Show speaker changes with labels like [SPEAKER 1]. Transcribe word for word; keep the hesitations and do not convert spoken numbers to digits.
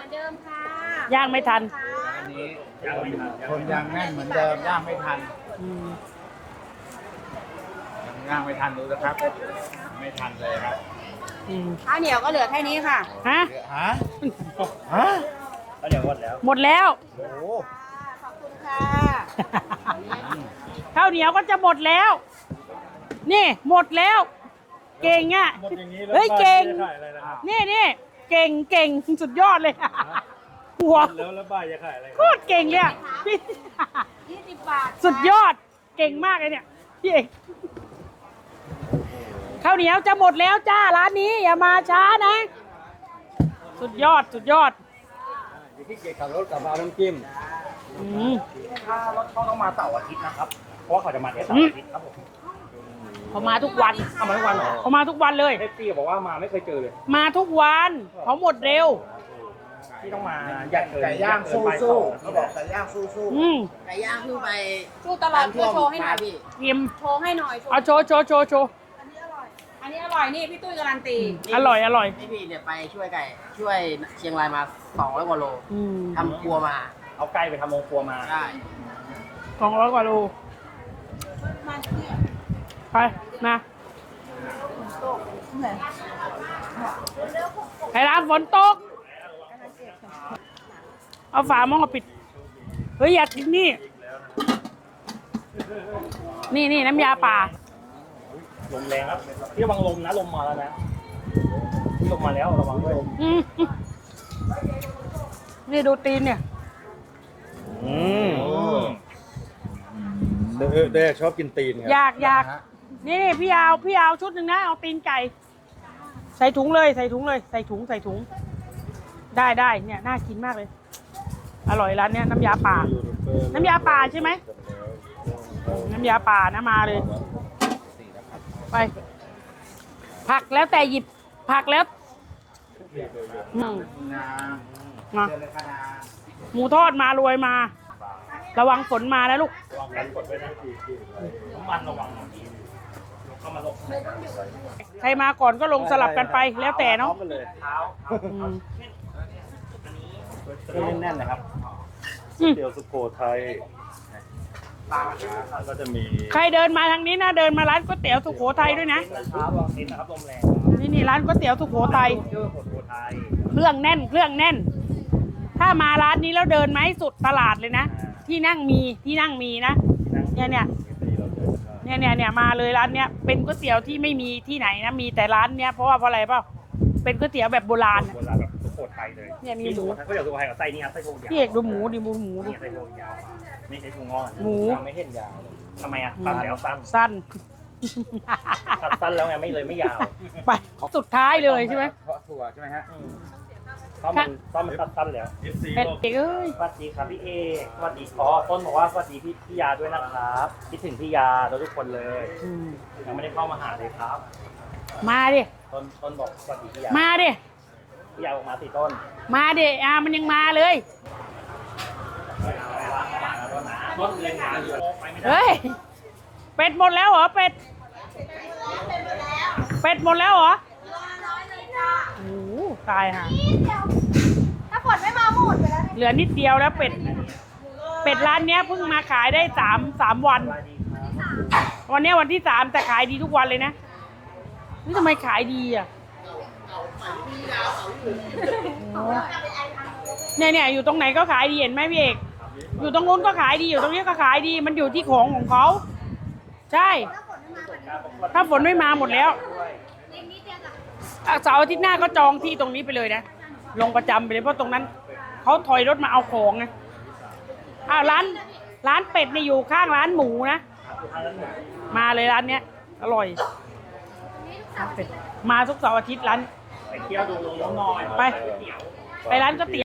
[SPEAKER 1] เดิมค่ะ
[SPEAKER 2] ย่างไม่ทัน
[SPEAKER 3] อันนี้คนยังแน่นเหมือนเดิมย่างไม่ทันย่างไม่ทันดูนะครับไม่ทันเลยครับ
[SPEAKER 1] ข้าวเหนียวก็เหลือแค่นี้ค่ะ
[SPEAKER 2] ฮะ
[SPEAKER 3] ฮะฮะข้าวเหนียวหมดแล้ว
[SPEAKER 2] หมดแล้ว
[SPEAKER 3] โอ้
[SPEAKER 1] ขอบคุณค่ะ
[SPEAKER 2] ข้าวเหนียวก็จะหมดแล้ว นี่หมดแล้ว เก่งอ่ะเฮ้ยเก่งนี่นี่เก่งเก่งสุดยอดเลยหัวแล้วแล้วบ้าจะขายอะไรโคตรเก่งเลยพี่
[SPEAKER 1] ยี่สิบบาท
[SPEAKER 2] สุดยอดเก่งมากเลยเนี่ยพี่เอกข้าวเหนียวจะหมดแล้วจ้าร้านนี้อย่ามาช้านะสุดยอดสุดยอด
[SPEAKER 3] พี่เกียรติขับรถกับมาน้ำจิ้มถ้ารถเขาต้องมาเสาร์อาทิตย์นะครับเพราะว่าเขาจะมาแค่เสาร์อาทิตย์ครับผม
[SPEAKER 2] เขามาทุกวัน
[SPEAKER 3] เขามาทุกวันเหรอ
[SPEAKER 2] เขามาทุกวันเลย
[SPEAKER 3] เอฟซีบอกว่ามาไม่เคยเจอเลย
[SPEAKER 2] มาทุกวันเขาหมดเร็ว
[SPEAKER 3] ที่ต้องมาไก่ย่างสู้สู้เขาบอกไก่ย่างสู้สู้
[SPEAKER 1] ไก่ย่างสู้ไปสู้ตลอดโชว์ให้หน่อยพี่
[SPEAKER 2] กิม
[SPEAKER 1] โชว์ให้หน่อย
[SPEAKER 2] เอาโชว์โชว์โชว์โชว์
[SPEAKER 1] อันนี้อร่อยนี่พี่ตุ้ยการันตี
[SPEAKER 2] อร่อยอร่อย
[SPEAKER 1] พี่พี่เนี่ยไปช่วยไก่ช่วยเชียงรายมาสองร้อยกว่าโลทำครัวมา
[SPEAKER 3] เอาไก่ไปทำโรงครัวมา
[SPEAKER 1] ใช่
[SPEAKER 2] สองร้อยกว่าโลไปมาไอ้ร้านฝนตกเอาฝาหม้อปิดเฮ้ยอยากกินนี่นี่นี่น้ำยาป่า
[SPEAKER 3] ลมแรงครับพี่ระวังลมนะลมมาแล้วนะพี่ลมมาแล้วระวังด้วย
[SPEAKER 2] นี่ดูตีนเนี่ย
[SPEAKER 3] อืมเด็กชอบกินตีนครับ
[SPEAKER 2] อยากอยากนี่นี่พี่เอาพี่เอาชุดหนึ่งนะเอาตีนไก่ใส่ถุงเลยใส่ถุงเลยใส่ถุงใส่ถุงได้ได้เนี่ยน่ากินมากเลยอร่อยร้านเนี้ยน้ำยาป่าน้ำยาป่าใช่ไหมน้ำยาป่านะมาเลยไปผักแล้วแต่หยิบผักแล้วอืมมาหมูทอดมารวยมาระวังฝนมาแล้วลูก
[SPEAKER 3] ระวังกันฝนไว้นะน้ำมันระวังเข้ามาลง
[SPEAKER 2] ใครมาก่อนก็ลงสลับกันไปแล้วแต่เนาะ
[SPEAKER 3] แน่นๆนะครับเตี๋ยวสุโขทัยก็จะมี
[SPEAKER 2] ใครเดินมาทางนี้นะเดินมาร้านก๋วยเตี๋ยวสุโขทัยด้วยนะนี่นี่ร้านก๋วยเตี๋ยวสุโขทัยเครื่องแน่นเครื่องแน่นถ้ามาร้านนี้แล้วเดินมาให้สุดตลาดเลยนะที่นั่งมีที่นั่งมีนะเนี่ยเนี่ยเนี่ยเนี่ยเนี่ยมาเลยร้านเนี้ยเป็นก๋วยเตี๋ยวที่ไม่มีที่ไหนนะมีแต่ร้านเนี้ยเพราะว่าเพราะอะไรเปล่าเป็นก๋วยเตี๋ยวแบบโบราณ
[SPEAKER 3] โบราณแบบสุโขทัยเลย
[SPEAKER 2] เนี่ยมีหมู
[SPEAKER 3] ก๋วยเตี๋ยวสุโขทัยกับไส้นี่ครับไส้โคยาว
[SPEAKER 2] พี่เอกดูหมูดิหมูหมูดิ
[SPEAKER 3] ไส้โคยาวไม่ใช่ถุงงอน
[SPEAKER 2] หมู
[SPEAKER 3] ไม่เห็นยาวทำไมอ่ะสั้นแล้วสั้น
[SPEAKER 2] สั้น
[SPEAKER 3] สั้นแล้วไงไม่เลยไม่ยาว
[SPEAKER 2] ไปสุดท้ายเลยใช่ไหม
[SPEAKER 3] เพราะถั่วใช่ไหมฮะต้อมมันต้อมมันสั้นๆแล้ว
[SPEAKER 2] เป็ดเอกเอ้ย
[SPEAKER 3] สวัสดีครับพี่เอกสวัสดีอ๋อต้นบอกว่าสวัสดีพี่พี่ยาด้วยนะครับคิดถึงพี่ยาทุกคนเลยยังไม่ได้เข้ามาหาเลยครับ
[SPEAKER 2] มาดิ
[SPEAKER 3] ต้นต้นบอกสวัสดีพี่ยา
[SPEAKER 2] มาดิ
[SPEAKER 3] พี่ยาออกมาสิต้น
[SPEAKER 2] มาดิอ่ามันยังมาเลยเฮ้ยเป็ดหมดแล้วเหรอเป็ดเป็ดหมดแล้วเหรอโอ้ตายค่ะ
[SPEAKER 1] ถ้าฝนไม่มาหมดไปแล้ว
[SPEAKER 2] เหลือนิดเดียวแล้วเป็ดเป็ดร้านเนี้ยเพิ่งมาขายได้สามสามวันวันนี้วันที่สามแต่ขายดีทุกวันเลยนะนี่ทำไมขายดีอ่ะเนี่ยเนี่ยอยู่ตรงไหนก็ขายดีเห็นไหมพี่เอกอยู่ตรงนู้นก็ขายดีอยู่ตรงนี้ก็ขายดีมันอยู่ที่ของของเขาใช่ถ้าฝนไม่มาหมดแล้วเสาร์อาทิตย์หน้าก็จองที่ตรงนี้ไปเลยนะลงประจำไปเลยเพราะตรงนั้นเขาถอยรถมาเอาของไงอ้าวร้านร้านเป็ดเนี่ยอยู่ข้างร้านหมูนะมาเลยร้านเนี้ยอร่อยมาทุกเสาร์อาทิตย์ร้าน
[SPEAKER 3] ไปเที่ยวดูน้องน้อย
[SPEAKER 2] ไปไปร้านก๋วยเตี๋ยว